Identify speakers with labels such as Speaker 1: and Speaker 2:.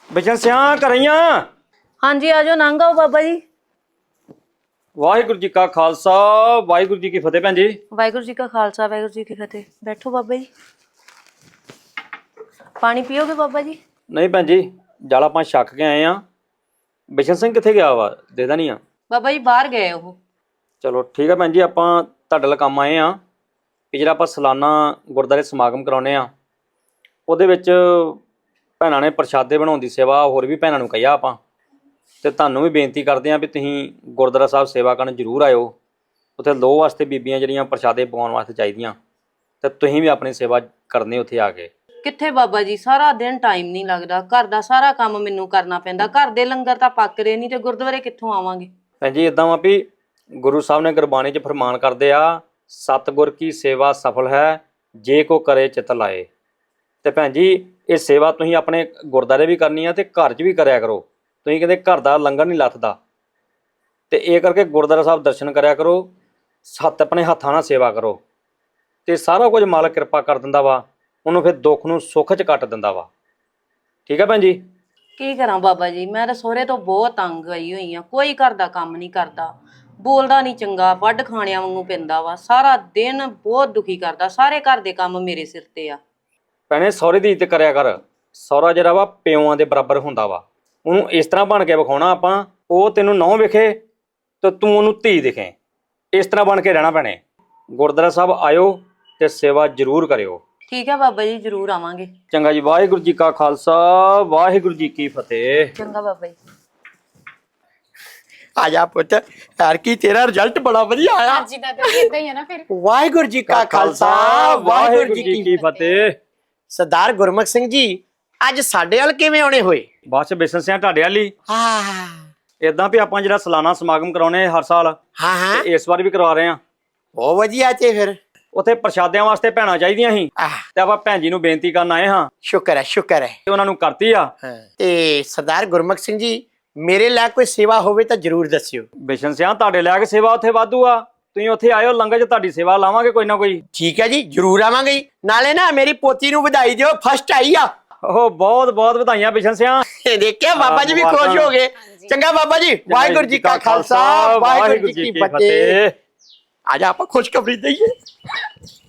Speaker 1: बिचन सिया करइया।
Speaker 2: हाँ जी आ जाओ नंग आओ बाबा जी।
Speaker 1: वाहिगुरु जी का खालसा वाहिगुरु जी की फतेह भैन जी।
Speaker 2: वाहिगुरु जी का खालसा वाहिगुरु जी की फतेह। बैठो बाबा जी, पानी पियोगे बाबा जी?
Speaker 1: नहीं भैन जी, जल आप छक के आए हाँ। बिशन सिंह कितने गया वा देदा नहीं आ।
Speaker 2: बाबा जी बाहर गए हो।
Speaker 1: चलो ठीक है भैन जी, ਆਪਾਂ ਤੁਹਾਡੇ ਨਾਲ ਕੰਮ ਆਏ ਆ ਕਿ ਜਿਹੜਾ ਆਪਾਂ ਸਾਲਾਨਾ ਗੁਰਦਾਰੇ ਸਮਾਗਮ ਕਰਾਉਨੇ ਆ ਉਹਦੇ ਵਿੱਚ ਭੈਣਾਂ ਨੇ ਪ੍ਰਸ਼ਾਦੇ ਬਣਾਉਣ ਦੀ ਸੇਵਾ ਹੋਰ ਵੀ ਭੈਣਾਂ ਨੂੰ ਕਹੀਆ ਆਪਾਂ ਤੇ ਤੁਹਾਨੂੰ ਵੀ ਬੇਨਤੀ ਕਰਦੇ ਆ ਵੀ ਤੁਸੀਂ ਗੁਰਦੁਆਰਾ ਸਾਹਿਬ ਸੇਵਾ ਕਰਨ ਜ਼ਰੂਰ ਆਇਓ। ਉੱਥੇ ਲੋਹ ਵਾਸਤੇ ਬੀਬੀਆਂ ਜਿਹੜੀਆਂ ਪ੍ਰਸ਼ਾਦੇ ਪਕਾਉਣ ਵਾਸਤੇ ਚਾਹੀਦੀਆਂ ਤੇ ਤੁਸੀਂ ਵੀ ਆਪਣੀ ਸੇਵਾ ਕਰਨੀ ਉੱਥੇ ਆ ਕੇ।
Speaker 2: ਕਿੱਥੇ ਬਾਬਾ ਜੀ, ਸਾਰਾ ਦਿਨ ਟਾਈਮ ਨਹੀਂ ਲੱਗਦਾ, ਘਰ ਦਾ ਸਾਰਾ ਕੰਮ ਮੈਨੂੰ ਕਰਨਾ ਪੈਂਦਾ, ਘਰ ਦੇ ਲੰਗਰ ਤਾਂ ਪੱਕਦੇ ਨਹੀਂ ਤੇ ਗੁਰਦੁਆਰੇ ਕਿੱਥੋਂ ਆਵਾਂਗੇ?
Speaker 1: ਭੈਣ ਜੀ ਇਦਾਂ ਵਾ ਵੀ ਗੁਰੂ ਸਾਹਿਬ ਨੇ ਗੁਰਬਾਣੀ 'ਚ ਫਰਮਾਨ ਕਰਦੇ ਆ, ਸਤਿਗੁਰ ਕੀ ਸੇਵਾ ਸਫਲ ਹੈ ਜੇ ਕੋ ਕਰੇ ਚਿਤ ਲਾਏ। ਤੇ ਭੈਣ ਜੀ ਇਹ ਸੇਵਾ ਤੁਸੀਂ ਆਪਣੇ ਗੁਰਦਾਰੇ ਵੀ ਕਰਨੀ ਆ ਤੇ ਘਰ 'ਚ ਵੀ ਕਰਿਆ ਕਰੋ। ਤੁਸੀਂ ਕਹਿੰਦੇ ਘਰ ਦਾ ਲੰਗਰ ਨਹੀਂ ਲੱਥਦਾ ਤੇ ਇਹ ਕਰਕੇ ਗੁਰਦੁਆਰਾ ਸਾਹਿਬ ਦਰਸ਼ਨ ਕਰਿਆ ਕਰੋ, ਸੱਤ ਆਪਣੇ ਹੱਥਾਂ ਨਾਲ ਸੇਵਾ ਕਰੋ ਤੇ ਸਾਰਾ ਕੁਝ ਮਾਲਕ ਕਿਰਪਾ ਕਰ ਦਿੰਦਾ ਵਾ, ਉਹਨੂੰ ਫਿਰ ਦੁੱਖ ਨੂੰ ਸੁੱਖ 'ਚ ਕੱਟ ਦਿੰਦਾ ਵਾ। ਠੀਕ ਹੈ ਭੈਣ ਜੀ?
Speaker 2: ਕੀ ਕਰਾਂ ਬਾਬਾ ਜੀ, ਮੈਂ ਤਾਂ ਸਹੁਰੇ ਤੋਂ ਬਹੁਤ ਤੰਗ ਆਈ ਹੋਈ ਆ। ਕੋਈ ਘਰ ਦਾ ਕੰਮ ਨਹੀਂ ਕਰਦਾ, ਬੋਲਦਾ ਨਹੀਂ ਚੰਗਾ, ਵੱਢ ਖਾਣਿਆਂ ਵਾਂਗੂ ਪੈਂਦਾ ਵਾ, ਸਾਰਾ ਦਿਨ ਬਹੁਤ ਦੁਖੀ ਕਰਦਾ। ਸਾਰੇ ਘਰ ਦੇ ਕੰਮ ਮੇਰੇ ਸਿਰ ਤੇ ਆ।
Speaker 1: ਭੈਣੇ ਸਹੁਰੇ ਦੀ ਇੱਜ਼ਤ ਕਰਿਆ ਕਰ। ਸਹੁਰਾ ਜਿਹੜਾ ਵਾ ਪਿਓਆਂ ਦੇ ਬਰਾਬਰ ਹੁੰਦਾ ਵਾ, ਉਹਨੂੰ ਇਸ ਤਰ੍ਹਾਂ ਬਣ ਕੇ ਵਿਖਾਉਣਾ ਆਪਾਂ, ਉਹ ਤੈਨੂੰ ਨਹੁੰ ਵਿਖੇ ਤੇ ਤੂੰ ਉਹਨੂੰ ਧੀ ਦਿਖੇ। ਇਸ ਤਰ੍ਹਾਂ ਬਣ ਕੇ ਰਹਿਣਾ ਭੈਣੇ। ਗੁਰਦੁਆਰਾ ਸਾਹਿਬ ਆਇਓ ਤੇ ਸੇਵਾ ਜ਼ਰੂਰ ਕਰਿਓ।
Speaker 2: ਠੀਕ ਹੈ ਬਾਬਾ ਜੀ, ਜ਼ਰੂਰ ਆਵਾਂਗੇ।
Speaker 1: ਚੰਗਾ ਜੀ, ਵਾਹਿਗੁਰੂ ਜੀ ਕਾ ਖਾਲਸਾ ਵਾਹਿਗੁਰੂ ਜੀ ਕੀ ਫਤਿਹ।
Speaker 2: ਚੰਗਾ ਬਾਬਾ ਜੀ।
Speaker 3: आ जा पुत, यार की तेरा रिजल्ट बड़ा बढ़िया आया।
Speaker 4: हाँ जी दादा जी, इतना ही है ना फिर।
Speaker 3: वाहिगुरु जी का खालसा वाहिगुरु जी की
Speaker 1: ਫਤਿਹ।
Speaker 3: सरदार गुरमुख सिंह जी ਅੱਜ ਸਾਡੇ ਵੱਲ ਕਿਵੇਂ ਆਉਣੇ ਹੋਏ?
Speaker 1: ਬਸ ਬਿਸ਼ਨ ਸਿਆਂ ਤੁਹਾਡੇ ਵਾਲੀ
Speaker 3: ਹਾਂ
Speaker 1: ਇਦਾਂ ਵੀ ਆਪਾਂ ਜਿਹੜਾ ਸਾਲਾਨਾ ਸਮਾਗਮ ਕਰਾਉਨੇ ਹਰ ਸਾਲ
Speaker 3: ਹਾਂ ਹਾਂ
Speaker 1: ਤੇ ਇਸ ਵਾਰ ਵੀ ਕਰਵਾ ਰਹੇ ਆ।
Speaker 3: ਬਹੁਤ ਵਧੀਆ ਤੇ ਫਿਰ
Speaker 1: ਉੱਥੇ ਪ੍ਰਸ਼ਾਦਿਆਂ ਵਾਸਤੇ ਭੈਣਾਂ ਚਾਹੀਦੀਆਂ ਸੀ ਤੇ ਆਪਾਂ ਭੈਣ ਜੀ ਨੂੰ ਬੇਨਤੀ ਕਰਨ ਆਏ ਹਾਂ
Speaker 3: ਸ਼ੁਕਰ ਹੈ
Speaker 1: ਤੇ ਉਹਨਾਂ ਨੂੰ ਕਰਤੀ ਆ।
Speaker 3: ਤੇ ਸਰਦਾਰ ਗੁਰਮੁਖ ਸਿੰਘ ਜੀ ਮੇਰੇ ਲਈ ਕੋਈ ਸੇਵਾ ਹੋਵੇ ਤਾਂ ਜਰੂਰ ਦੱਸਿਓ।
Speaker 1: ਬਿਸ਼ਨ ਸਿਆਂ ਤੁਹਾਡੇ ਲੈ ਕੇ ਸੇਵਾ ਉੱਥੇ ਵਾਧੂ ਆ, ਤੁਸੀਂ ਉੱਥੇ ਆਇਓ, ਲੰਗਰ 'ਚ ਤੁਹਾਡੀ ਸੇਵਾ ਲਾਵਾਂਗੇ ਕੋਈ ਨਾ ਕੋਈ।
Speaker 3: ਠੀਕ ਹੈ ਜੀ, ਜਰੂਰ ਆਵਾਂਗੇ ਜੀ। ਨਾਲੇ ਨਾ ਮੇਰੀ ਪੋਤੀ ਨੂੰ ਵਧਾਈ ਦਿਓ, ਫਸਟ ਆਈ ਆ।
Speaker 1: ਉਹ ਬਹੁਤ ਬਹੁਤ ਵਧਾਈਆਂ ਬਿਸ਼ਨ ਸਿਆਂ।
Speaker 3: ਦੇਖਿਆ ਬਾਬਾ ਜੀ ਵੀ ਖੁਸ਼ ਹੋ ਗਏ। ਚੰਗਾ ਬਾਬਾ ਜੀ, ਵਾਹਿਗੁਰੂ ਜੀ ਕਾ ਖਾਲਸਾ ਵਾਹਿਗੁਰੂ ਜੀ ਕੀ ਫਤਿਹ। ਆ ਜਾ ਆਪਾਂ ਖੁਸ਼ਖਬਰੀ ਦਈਏ।